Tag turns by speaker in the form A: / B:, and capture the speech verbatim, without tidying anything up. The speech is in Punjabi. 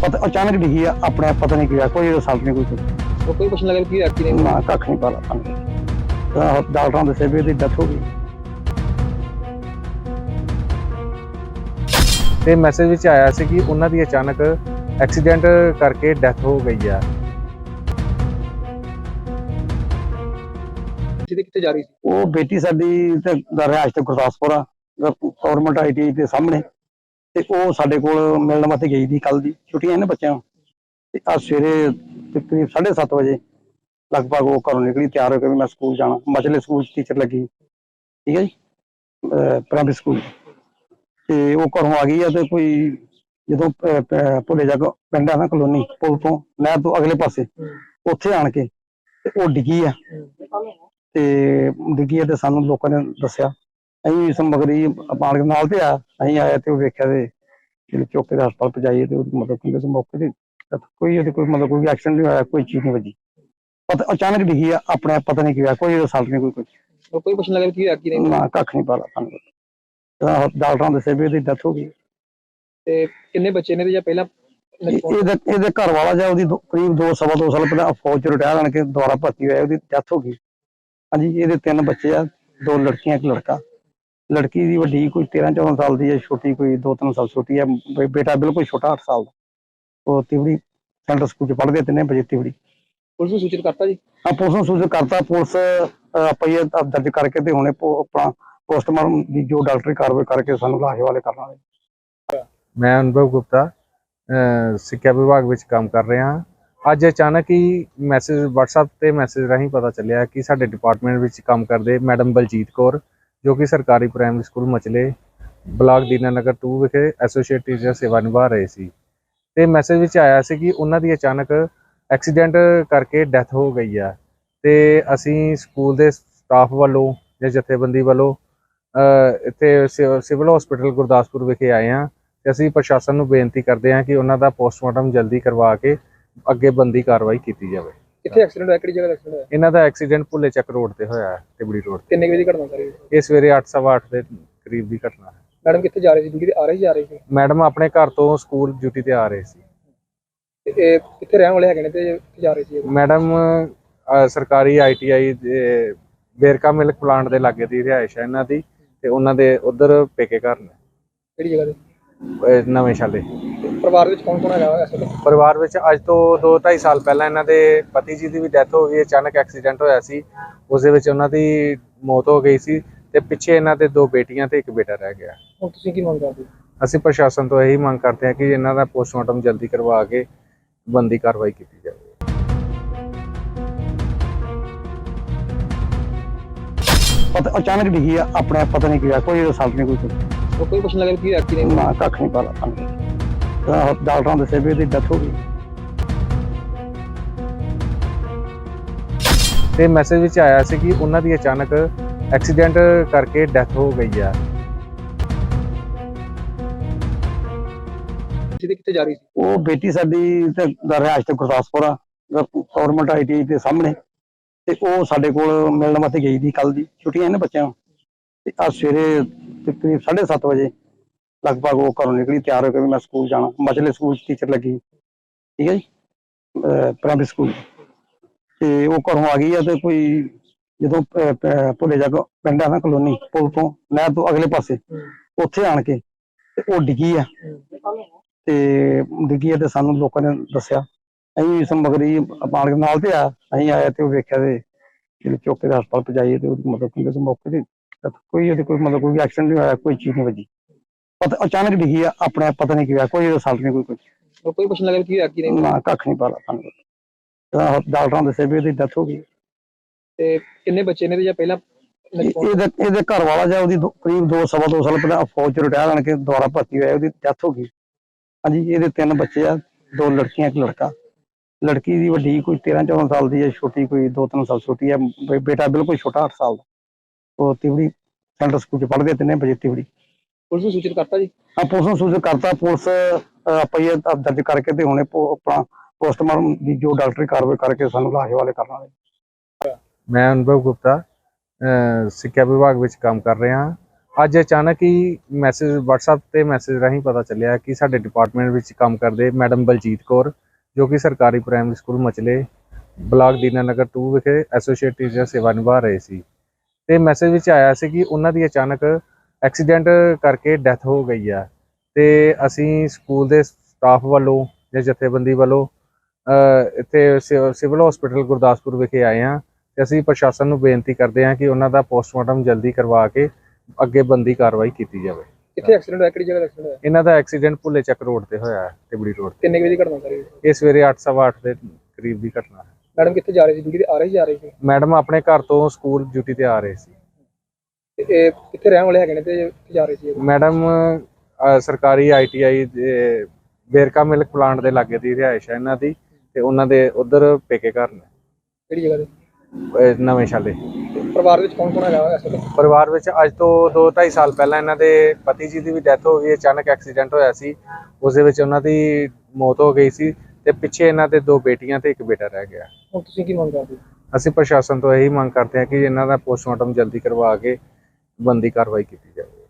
A: पता अचानक डिगी है अपने पता नहीं किया कोई रिजल्ट नहीं कोई
B: तो कोई क्वेश्चन लगा कि एक्सीडेंट
A: ना कख नहीं पता डॉक्टर ने दसे भी डेथ हो गई।
C: ਤੇ ਮੈਸੇਜ ਵਿੱਚ ਆਇਆ ਸੀ ਕਿ ਉਹਨਾਂ ਦੀ ਅਚਾਨਕ ਐਕਸੀਡੈਂਟ ਕਰਕੇ ਡੈਥ ਹੋ ਗਈ ਆ।
B: ਜਿਹਦੇ ਕਿੱਥੇ ਜਾ ਰਹੀ ਸੀ
A: ਉਹ ਬੇਟੀ ਸਾਡੀ ਤੇ ਰਿਹਾਇਸ਼ ਤੇ ਗੁਰਦਾਸਪੁਰ ਆ ਗਵਰਨਮੈਂਟ ਆਈਟੀ ਦੇ ਸਾਹਮਣੇ ਤੇ ਉਹ ਸਾਡੇ ਕੋਲ ਮਿਲਣ ਵਾਸਤੇ ਗਈ ਸੀ ਕੱਲ ਦੀ ਛੁੱਟੀਆਂ ਨੇ ਬੱਚਿਆਂ ਨੂੰ ਤੇ ਅੱਜ ਸਵੇਰੇ ਤਕਰੀਬ ਸਾਢੇ ਸੱਤ ਵਜੇ ਲਗਭਗ ਉਹ ਘਰੋਂ ਨਿਕਲੀ ਤਿਆਰ ਹੋ ਕੇ ਵੀ ਮੈਂ ਸਕੂਲ ਜਾਣਾ ਮਚਲੇ ਸਕੂਲ ਚ ਟੀਚਰ ਲੱਗੀ ਠੀਕ ਹੈ ਜੀ ਪ੍ਰਾਇਮਰੀ ਸਕੂਲ ਤੇ ਉਹ ਘਰੋਂ ਆ ਗਈ ਆ ਤੇ ਕੋਈ ਜਦੋਂ ਭੁੱਲੇ ਜਾ ਪਿੰਡ ਆ ਨਾ ਕਲੋਨੀ ਪੁਲ ਤੋਂ ਨਹਿਰ ਤੋਂ ਅਗਲੇ ਪਾਸੇ ਉੱਥੇ ਆਣ ਕੇ ਤੇ ਉਹ ਡਿੱਗੀ ਆ ਤੇ ਡਿੱਗੀ ਆ ਤੇ ਸਾਨੂੰ ਲੋਕਾਂ ਨੇ ਦੱਸਿਆ ਅਸੀਂ ਸਮਗਰੀ ਪਾਣ ਨਾਲ ਤੇ ਆ ਅਸੀਂ ਆਇਆ ਤੇ ਉਹ ਵੇਖਿਆ ਤੇ ਜਿਹੜੇ ਚੌਕੇ ਦੇ ਹਸਪਤਾਲ ਪਹੁੰਚਾਈਏ ਤੇ ਉਹਦੀ ਮਤਲਬ ਕਿ ਉਸ ਮੌਕੇ ਤੇ ਕੋਈ ਉਹਦੇ ਕੋਈ ਮਤਲਬ ਕੋਈ ਐਕਸੀਡੈਂਟ ਨਹੀਂ ਹੋਇਆ ਕੋਈ ਚੀਜ਼ ਨਹੀਂ ਵੱਜੀ ਪਤਾ ਅਚਾਨਕ ਡਿੱਗੀ ਆ ਆਪਣੇ ਪਤਾ ਨਹੀਂ ਕਿਹਾ ਕੋਈ ਰਿਜ਼ਲਟ ਨਹੀਂ ਕੋਈ ਕੁਝ
B: तो कोई क्वेश्चन लगा कि एक्सीडेंट
A: ਨਾ ਕੱਖ ਨਹੀਂ ਪਤਾ ਸਾਨੂੰ ਡਾਕਟਰਾਂ ਦੇ ਸੇਵੇ ਦੀ ਡੈਥ ਹੋ ਗਈ
B: ਤੇ ਕਿੰਨੇ ਬੱਚੇ ਨੇ ਤੇ ਜਾਂ ਪਹਿਲਾਂ
A: ਇਹਦੇ ਇਹਦੇ ਘਰ ਵਾਲਾ ਜਾਂ ਉਹਦੀ ਕਰੀਬ ਦੋ ਸਵਾ ਦੋ ਸਾਲ ਪਹਿਲਾਂ ਫੌਜ ਚ ਰਿਟਾਇਰ ਆਣ ਕੇ ਦੁਬਾਰਾ ਭਰਤੀ ਹੋਇਆ ਉਹਦੀ ਡੈਥ ਹੋ ਗਈ ਹਾਂਜੀ ਇਹਦੇ ਤਿੰਨ ਬੱਚੇ ਆ ਦੋ ਲੜਕੀਆਂ ਇੱਕ ਲੜਕਾ ਲੜਕੀ ਦੀ ਵੱਡੀ ਕੋਈ ਤੇਰਾਂ ਚੌਦਾਂ ਸਾਲ ਦੀ ਹੈ ਛੋਟੀ ਕੋਈ ਦੋ ਤਿੰਨ ਸਾਲ ਛੋਟੀ ਹੈ ਬੇਟਾ ਬਿਲਕੁਲ ਛੋਟਾ ਅੱਠ ਸਾਲ ਦਾ ਉਹ ਤਿਵੜੀ ਸੈਂਟਰ ਸਕੂਲ ਚ ਪੜ੍ਹਦੇ ਤਿੰਨੇ ਵਜੇ ਤਿਵੜੀ
B: ਪੁਲਿਸ ਨੂੰ ਸੂਚਿਤ ਕਰਤਾ ਜੀ
A: ਹਾਂ ਪੁਲਿਸ ਨੂੰ ਸੂਚਿਤ ਕਰਤਾ ਪੁਲਿਸ ਪਈਏ ਦਰਜ ਕਰਕੇ ਤੇ ਹੁਣੇ ਆਪਣਾ ਪੋਸਟਮਾਰਟਮ ਦੀ ਜੋ ਡਾਕਟਰੀ ਕਾਰਵਾਈ ਕਰਕੇ ਸਾਨੂੰ ਲਾਸ਼ ਵਾਲੇ ਕਰਨ ਵਾਲੇ।
C: ਮੈਂ ਅਨੁਭਵ ਗੁਪਤਾ ਸਿੱਖਿਆ ਵਿਭਾਗ ਵਿੱਚ ਕੰਮ ਕਰ ਰਿਹਾ ਹਾਂ। ਅੱਜ ਅਚਾਨਕ ਹੀ ਮੈਸੇਜ WhatsApp ਤੇ ਮੈਸੇਜ ਰਾਹੀਂ ਪਤਾ ਚੱਲਿਆ ਕਿ ਸਾਡੇ ਡਿਪਾਰਟਮੈਂਟ ਵਿੱਚ ਕੰਮ ਕਰਦੇ ਮੈਡਮ ਬਲਜੀਤ ਕੌਰ ਜੋ ਕਿ ਸਰਕਾਰੀ primary school Machle block Dinanagar ਦੋ ਵਿਖੇ ਐਸੋਸੀਏਟ ਟੀਚਰ ਸੇਵਾ ਨਿਭਾ ਰਹੇ ਸੀ ਤੇ ਮੈਸੇਜ ਵਿੱਚ ਆਇਆ ਸੀ ਕਿ ਉਹਨਾਂ ਦੀ ਅਚਾਨਕ ਐਕਸੀਡੈਂਟ ਕਰਕੇ ਡੈਥ ਹੋ ਗਈ ਆ ਤੇ ਅਸੀਂ ਸਕੂਲ ਦੇ ਸਟਾਫ ਵੱਲੋਂ ਜਾਂ ਜਥੇਬੰਦੀ ਵੱਲੋਂ ਇੱਥੇ ਸਿਵਲ ਹਸਪੀਟਲ ਗੁਰਦਾਸਪੁਰ ਵਿਖੇ ਆਏ ਹਾਂ ਤੇ ਅਸੀਂ ਪ੍ਰਸ਼ਾਸਨ ਨੂੰ ਬੇਨਤੀ ਕਰਦੇ ਹਾਂ ਕਿ ਉਹਨਾਂ ਦਾ ਪੋਸਟਮਾਰਟਮ ਜਲਦੀ ਕਰਵਾ ਕੇ ਅੱਗੇ ਬੰਦੀ ਕਾਰਵਾਈ ਕੀਤੀ ਜਾਵੇ।
B: ਕਿੱਥੇ ਐਕਸੀਡੈਂਟ ਹੋਇਆ ਕਿਹੜੀ ਜਗ੍ਹਾ ਐਕਸੀਡੈਂਟ ਹੋਇਆ
C: ਇਹਨਾਂ ਦਾ ਐਕਸੀਡੈਂਟ ਭੁੱਲੇ ਚੱਕ ਰੋਡ ਤੇ ਹੋਇਆ ਹੈ ਤਿਬੜੀ ਰੋਡ ਤੇ।
B: ਕਿੰਨੇ ਵਜੇ ਦੀ ਘਟਨਾ ਸਾਰੀ
C: ਇਹ ਸਵੇਰੇ ਅੱਠ ਸਵਾ ਅੱਠ ਦੇ ਕਰੀਬ ਦੀ ਘਟਨਾ ਹੈ।
B: ਮੈਡਮ ਕਿੱਥੇ ਜਾ ਰਹੀ ਸੀ ਡਿਊਟੀ ਤੇ ਆ ਰਹੀ ਜਾ ਰਹੀ ਸੀ
C: ਮੈਡਮ ਆਪਣੇ ਘਰ ਤੋਂ ਸਕੂਲ ਡਿਊਟੀ ਤੇ ਆ ਰਹੇ ਸੀ।
B: ਤੇ ਇਹ ਕਿੱਥੇ ਰਹਿਣ ਵਾਲੇ ਹੈਗੇ ਨੇ ਤੇ ਕਿੱਥੇ ਜਾ ਰਹੇ ਸੀ
C: ਮੈਡਮ ਸਰਕਾਰੀ ਆਈ ਟੀ ਆਈ ਦੇ ਬੇਰਕਾ ਮਿਲਕ ਪਲਾਂਟ ਦੇ ਲਾਗੇ ਦੀ ਰਿਹਾਇਸ਼ ਹੈ ਇਹਨਾਂ ਦੀ ਤੇ ਉਹਨਾਂ ਦੇ ਉਧਰ ਪੇਕੇ ਘਰ ਨੇ
B: ਕਿਹੜੀ ਜਗ੍ਹਾ ਤੇ
C: ਨਵੇਂ ਸ਼ਾਲੇ।
B: ਪਰਿਵਾਰ ਵਿੱਚ ਕੌਣ ਕੌਣ ਹੈਗਾ ਇਸ ਵੇਲੇ
C: ਪਰਿਵਾਰ ਵਿੱਚ ਅੱਜ ਤੋਂ ਦੋ ਢਾਈ ਸਾਲ ਪਹਿਲਾਂ ਇਹਨਾਂ ਦੇ ਪਤੀ ਜੀ ਦੀ ਵੀ ਡੈਥ ਹੋ ਗਈ ਅਚਾਨਕ ਐਕਸੀਡੈਂਟ ਹੋਇਆ ਸੀ ਉਸ ਦੇ ਵਿੱਚ ਉਹਨਾਂ ਦੀ ਮੌਤ ਹੋ ਗਈ ਸੀ ਤੇ ਪਿੱਛੇ ਇਹਨਾਂ ਦੇ ਦੋ ਬੇਟੀਆਂ ਤੇ ਇੱਕ ਬੇਟਾ ਰਹਿ ਗਿਆ।
B: ਹੁਣ ਤੁਸੀਂ ਕੀ ਮੰਗ ਕਰਦੇ
C: ਅਸੀਂ ਪ੍ਰਸ਼ਾਸਨ ਤੋਂ ਇਹੀ ਮੰਗ ਕਰਦੇ ਹਾਂ ਕਿ ਇਹਨਾਂ ਦਾ ਪੋਸਟਮਾਰਟਮ ਜਲਦੀ ਕਰਵਾ ਕੇ ਬੰਦੀ ਕਾਰਵਾਈ ਕੀਤੀ ਜਾਵੇ।
A: ਪਤਾ ਅਚਾਨਕ ਡਿੱਗੀ ਆ ਆਪਣੇ ਪਤਾ ਨਹੀਂ ਕਿਹਾ ਕੋਈ ਰਿਜ਼ਲਟ ਨਹੀਂ ਕੋਈ ਕੁਝ
B: तो कोई क्वेश्चन लगा कि एक्सीडेंट
A: ਨਾ ਕੱਖ ਨਹੀਂ ਪਤਾ ਸਾਨੂੰ ਡਾਕਟਰਾਂ ਦੇ ਸੇਵੇ ਦੀ ਡੈਥ ਹੋ ਗਈ।
C: ਤੇ ਮੈਸੇਜ ਵਿੱਚ ਆਇਆ ਸੀ ਕਿ ਉਹਨਾਂ ਦੀ ਅਚਾਨਕ ਐਕਸੀਡੈਂਟ ਕਰਕੇ ਡੈਥ ਹੋ ਗਈ ਆ।
B: ਜਿਹਦੇ ਕਿੱਥੇ ਜਾ ਰਹੀ ਸੀ
A: ਉਹ ਬੇਟੀ ਸਾਡੀ ਤੇ ਰਿਹਾਇਸ਼ ਤੇ ਗੁਰਦਾਸਪੁਰ ਆ ਗਵਰਨਮੈਂਟ ਆਈਟੀ ਦੇ ਸਾਹਮਣੇ ਤੇ ਉਹ ਸਾਡੇ ਕੋਲ ਮਿਲਣ ਵਾਸਤੇ ਗਈ ਸੀ ਕੱਲ ਦੀ ਛੁੱਟੀਆਂ ਨੇ ਬੱਚਿਆਂ ਨੂੰ ਤੇ ਅੱਜ ਸਵੇਰੇ ਤਕਰੀਬ ਸਾਢੇ ਸੱਤ ਵਜੇ ਲਗਭਗ ਉਹ ਘਰੋਂ ਨਿਕਲੀ ਤਿਆਰ ਹੋ ਕੇ ਵੀ ਮੈਂ ਸਕੂਲ ਜਾਣਾ ਮਚਲੇ ਸਕੂਲ ਚ ਟੀਚਰ ਲੱਗੀ ਠੀਕ ਹੈ ਜੀ ਪ੍ਰਾਇਮਰੀ ਸਕੂਲ ਤੇ ਉਹ ਘਰੋਂ ਆ ਗਈ ਆ ਤੇ ਕੋਈ ਜਦੋਂ ਭੁੱਲੇ ਜਾ ਪਿੰਡ ਆ ਨਾ ਕਲੋਨੀ ਪੁਲ ਤੋਂ ਨਹਿਰ ਤੋਂ ਅਗਲੇ ਪਾਸੇ ਉੱਥੇ ਆਣ ਕੇ ਤੇ ਉਹ ਡਿੱਗੀ ਆ ਤੇ ਡਿੱਗੀ ਆ ਤੇ ਸਾਨੂੰ ਲੋਕਾਂ ਨੇ ਦੱਸਿਆ ਅਸੀਂ ਸਮਗਰੀ ਪਾਣ ਨਾਲ ਤੇ ਆ ਅਸੀਂ ਆਇਆ ਤੇ ਉਹ ਵੇਖਿਆ ਤੇ ਜਿਹੜੇ ਚੌਕੇ ਦੇ ਹਸਪਤਾਲ ਪਹੁੰਚਾਈਏ ਤੇ ਉਹਦੀ ਮਤਲਬ ਕਿ ਉਸ ਮੌਕੇ ਤੇ ਕੋਈ ਉਹਦੇ ਕੋਈ ਮਤਲਬ ਕੋਈ ਐਕਸੀਡੈਂਟ ਨਹੀਂ ਹੋਇਆ ਕੋਈ ਚੀਜ਼ ਨਹੀਂ ਵੱਜੀ ਪਤਾ ਅਚਾਨਕ ਡਿੱਗੀ ਆ ਆਪਣੇ ਪਤਾ ਨਹੀਂ ਕਿਹਾ ਕੋਈ ਰਿਜ਼ਲਟ ਨਹੀਂ ਕੋਈ ਕੁਝ
B: तो कोई क्वेश्चन लगा कि एक्सीडेंट
A: ਨਾ ਕੱਖ ਨਹੀਂ ਪਤਾ ਸਾਨੂੰ ਡਾਕਟਰਾਂ ਦੇ ਸੇਵੇ ਦੀ ਡੈਥ ਹੋ ਗਈ
B: ਤੇ ਕਿੰਨੇ ਬੱਚੇ ਨੇ ਤੇ ਜਾਂ ਪਹਿਲਾਂ
A: ਇਹਦੇ ਇਹਦੇ ਘਰ ਵਾਲਾ ਜਾਂ ਉਹਦੀ ਕਰੀਬ ਦੋ ਸਵਾ ਦੋ ਸਾਲ ਪਹਿਲਾਂ ਫੌਜ ਚ ਰਿਟਾਇਰ ਆਣ ਕੇ ਦੁਬਾਰਾ ਭਰਤੀ ਹੋਇਆ ਉਹਦੀ ਡੈਥ ਹੋ ਗਈ ਹਾਂਜੀ ਇਹਦੇ ਤਿੰਨ ਬੱਚੇ ਆ ਦੋ ਲੜਕੀਆਂ ਇੱਕ ਲੜਕਾ ਲੜਕੀ ਦੀ ਵੱਡੀ ਕੋਈ ਤੇਰਾਂ ਚੌਦਾਂ ਸਾਲ ਦੀ ਹੈ ਛੋਟੀ ਕੋਈ ਦੋ ਤਿੰਨ ਸਾਲ ਛੋਟੀ ਹੈ ਬੇਟਾ ਬਿਲਕੁਲ ਛੋਟਾ ਅੱਠ ਸਾਲ ਦਾ ਉਹ ਤਿਵੜੀ ਸੈਂਟਰ ਸਕੂਲ ਚ ਪੜ੍ਹਦੇ ਤਿੰਨੇ ਵਜੇ ਤਿਵੜੀ
B: ਪੁਲਿਸ ਨੂੰ ਸੂਚਿਤ ਕਰਤਾ ਜੀ
A: ਹਾਂ ਪੁਲਿਸ ਨੂੰ ਸੂਚਿਤ ਕਰਤਾ ਪੁਲਿਸ ਪਈਏ ਦਰਜ ਕਰਕੇ ਤੇ ਹੁਣੇ ਆਪਣਾ ਪੋਸਟਮਾਰਟਮ ਦੀ ਜੋ ਡਾਕਟਰੀ ਕਾਰਵਾਈ ਕਰਕੇ ਸਾਨੂੰ ਲਾਸ਼ ਵਾਲੇ ਕਰਨ ਵਾਲੇ।
C: ਮੈਂ ਅਨੁਭਵ ਗੁਪਤਾ ਸਿੱਖਿਆ ਵਿਭਾਗ ਵਿੱਚ ਕੰਮ ਕਰ ਰਿਹਾ ਹਾਂ। ਅੱਜ ਅਚਾਨਕ ਹੀ ਮੈਸੇਜ WhatsApp ਤੇ ਮੈਸੇਜ ਰਾਹੀਂ ਪਤਾ ਚੱਲਿਆ ਕਿ ਸਾਡੇ ਡਿਪਾਰਟਮੈਂਟ ਵਿੱਚ ਕੰਮ ਕਰਦੇ ਮੈਡਮ ਬਲਜੀਤ ਕੌਰ, ਜੋ ਕਿ ਸਰਕਾਰੀ primary school Machle block Dinanagar ਦੋ ਵਿਖੇ ਐਸੋਸੀਏਟ ਟੀਚਰ ਸੇਵਾ ਨਿਭਾ ਰਹੇ ਸੀ। ਤੇ ਮੈਸੇਜ ਵਿੱਚ ਆਇਆ ਸੀ ਕਿ ਉਹਨਾਂ ਦੀ ਅਚਾਨਕ ਐਕਸੀਡੈਂਟ ਕਰਕੇ ਡੈਥ ਹੋ ਗਈ ਆ। ਤੇ ਅਸੀਂ ਸਕੂਲ ਦੇ ਸਟਾਫ ਵੱਲੋਂ ਜਾਂ ਜਥੇਬੰਦੀ ਵੱਲੋਂ ਅਹ ਇੱਥੇ ਸਿ- ਸਿਵਲ ਹਸਪੀਟਲ ਗੁਰਦਾਸਪੁਰ ਵਿਖੇ ਆਏ ਹਾਂ ਤੇ ਅਸੀਂ ਪ੍ਰਸ਼ਾਸਨ ਨੂੰ ਬੇਨਤੀ ਕਰਦੇ ਹਾਂ ਕਿ ਉਹਨਾਂ ਦਾ ਪੋਸਟਮਾਰਟਮ ਜਲਦੀ ਕਰਵਾ ਕੇ ਅੱਗੇ ਬੰਦੀ ਕਾਰਵਾਈ ਕੀਤੀ ਜਾਵੇ।
B: ਕਿੱਥੇ ਐਕਸੀਡੈਂਟ ਹੋਇਆ, ਕਿਹੜੀ ਜਗ੍ਹਾ ਐਕਸੀਡੈਂਟ ਹੋਇਆ,
C: ਇਹਨਾਂ ਦਾ ਐਕਸੀਡੈਂਟ ਭੁੱਲੇ ਚੱਕ ਰੋਡ ਤੇ ਹੋਇਆ ਹੈ, ਤਿਬੜੀ ਰੋਡ
B: ਕਿੰਨੇ ਕੁ ਵਜੇ ਦੀ ਘਟਨਾ ਸਾਰੀ?
C: ਤੇ। ਇਹ ਸਵੇਰੇ ਅੱਠ ਸਵਾ ਅੱਠ ਦੇ ਕਰੀਬ ਦੀ ਘਟਨਾ ਹੈ।
B: ਮੈਡਮ ਕਿੱਥੇ ਜਾ ਰਹੀ ਸੀ, ਡਿਊਟੀ ਤੇ ਆ ਰਹੀ ਸੀ, ਜਾ ਰਹੀ ਸੀ?
C: ਮੈਡਮ ਆਪਣੇ ਘਰ ਤੋਂ ਸਕੂਲ ਡਿਊਟੀ ਤੇ ਆ ਰਹੇ ਸੀ।
B: ਤੇ ਇਹ ਕਿੱਥੇ ਰਹਿਣ ਵਾਲੇ ਹੈਗੇ ਨੇ ਤੇ ਕਿੱਥੇ ਜਾ ਰਹੇ ਸੀ ਇਹ?
C: ਮੈਡਮ ਅਹ, ਸਰਕਾਰੀ ਆਈ ਟੀ ਆਈ ਦੇ ਵੇਰਕਾ ਮਿਲਕ ਪਲਾਂਟ ਦੇ ਲਾਗੇ ਦੀ ਰਿਹਾਇਸ਼ ਹੈ ਇਹਨਾਂ ਦੀ, ਤੇ ਉਹਨਾਂ ਦੇ ਉਧਰ ਪੇਕੇ ਘਰ ਨੇ
B: ਕਿਹੜੀ ਜਗ੍ਹਾ ਤੇ?
C: ਅਹ, ਨਵੇਂ ਸ਼ਾਲੇ।
B: ਤੇ ਪਰਿਵਾਰ ਵਿੱਚ ਕੌਣ ਕੌਣ ਹੈਗਾ ਇਸ ਵੇਲੇ?
C: ਪਰਿਵਾਰ ਵਿੱਚ ਅੱਜ ਤੋਂ ਦੋ ਢਾਈ ਸਾਲ ਪਹਿਲਾਂ ਇਹਨਾਂ ਦੇ ਪਤੀ ਜੀ ਦੀ ਵੀ ਡੈਥ ਹੋ ਗਈ। ਅਚਾਨਕ ਐਕਸੀਡੈਂਟ ਹੋਇਆ ਸੀ, ਉਸ ਦੇ ਵਿੱਚ ਉਹਨਾਂ ਦੀ ਮੌਤ ਹੋ ਗਈ ਸੀ ਤੇ ਪਿੱਛੇ ਇਹਨਾਂ ਦੇ ਦੋ ਬੇਟੀਆਂ ਤੇ ਇੱਕ ਬੇਟਾ ਰਹਿ ਗਿਆ।
B: ਹੁਣ ਤੁਸੀਂ ਕੀ ਮੰਗ ਕਰਦੇ ਹੋ?
C: ਅਸੀਂ ਪ੍ਰਸ਼ਾਸਨ ਤੋਂ ਇਹੀ ਮੰਗ ਕਰਦੇ ਹਾਂ ਕਿ ਇਹਨਾਂ ਦਾ ਪੋਸਟਮਾਰਟਮ ਜਲਦੀ ਕਰਵਾ ਕੇ ਬੰਦੀ ਕਾਰਵਾਈ ਕੀਤੀ ਜਾਵੇ।